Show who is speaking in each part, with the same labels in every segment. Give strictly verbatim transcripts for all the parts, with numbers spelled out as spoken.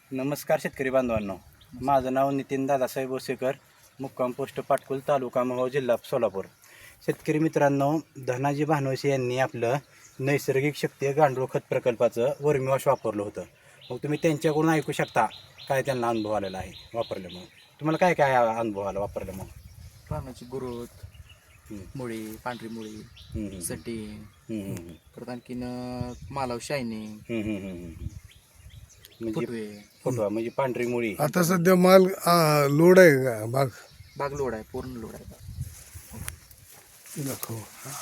Speaker 1: नमस्कार शेतकरी बांधवांनो, माझं नाव नितीन दादासाहेब ओसेकर, मुक्काम पोस्ट पाटकुल, तालुका मोहोळ, जिल्हा सोलापूर. शेतकरी मित्रांनो, धनाजी भानवसे यांनी आपलं नैसर्गिक शक्ती गांडूळ खत प्रकल्पाचं वर्मीवॉश वापरलं होतं. मग तुम्ही त्यांच्याकडून ऐकू शकता काय त्यांना अनुभव आलेला आहे वापरल्यामुळे. तुम्हाला काय काय अनुभव आला वापरल्यामुळे?
Speaker 2: पानाची ग्रोथ, मुळी, पांढरी मुळी, सटिंग, परत आणखीन मालाव शायनिंग,
Speaker 1: म्हणजे
Speaker 2: फुटवे.
Speaker 1: फुटवा म्हणजे पांढरी मुळी.
Speaker 3: आता सध्या माल आ, लोड आहे का बाग?
Speaker 2: बाग लोड आहे, पूर्ण लोड आहे बाग.
Speaker 3: दाखव.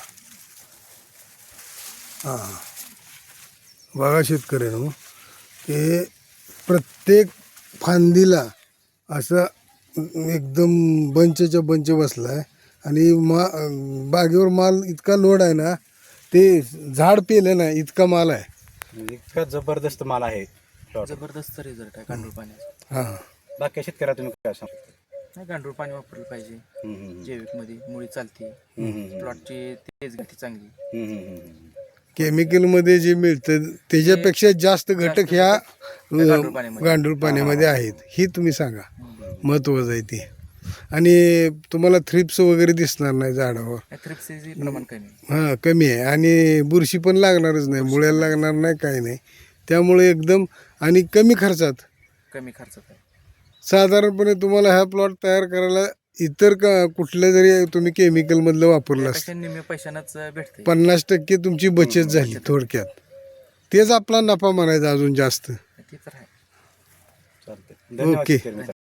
Speaker 3: हां बघा शेतकऱ्यांनो, की प्रत्येक फांदीला असा एकदम बंचच्या बंच बसला आहे आणि मा बागेवर माल इतका लोड आहे ना, ते झाड पेलं ना इतका माल आहे.
Speaker 1: म्हणजे इतका जबरदस्त माल आहे.
Speaker 2: जबरदस्त रिझल्ट आहे गांडूळ पाण्याचा.
Speaker 3: हां
Speaker 1: बाकी शेतकऱ्या तुम्ही काय सांगता?
Speaker 2: नाही, गांडूळ पाणी वापरलं पाहिजे. जैविक मध्ये मुळी चालते, प्लॉटची तेज गती चांगली.
Speaker 3: केमिकलमध्ये जे मिळतं त्याच्यापेक्षा जास्त घटक ह्या
Speaker 2: गांडूळ पाण्यामध्ये.
Speaker 3: गांडूळ पाण्यामध्ये आहेत, ही तुम्ही सांगा. महत्त्वाचं आहे ते. आणि तुम्हाला थ्रिप्स वगैरे दिसणार नाही झाडावर.
Speaker 2: थ्रिप्सचे प्रमाण कमी आहे.
Speaker 3: हां कमी आहे आणि बुरशी पण लागणारच नाही, मुळ्याला लागणार नाही, काही नाही. त्यामुळे एकदम आणि कमी खर्चात
Speaker 2: कमी खर्चात आहे.
Speaker 3: साधारणपणे तुम्हाला हा प्लॉट तयार करायला इतर का कुठलं जरी तुम्ही केमिकलमधलं वापरलं असतं,
Speaker 2: त्यापेक्षा निम्म्या पैशानंच भेटते.
Speaker 3: पन्नास टक्के तुमची बचत झाली थोडक्यात. तेच आपला नफा म्हणायचा अजून जास्त.
Speaker 2: ते तर आहे.
Speaker 1: चालतंय. धन्यवाद
Speaker 3: ओके.
Speaker 1: शेतकरी मित्रांनो.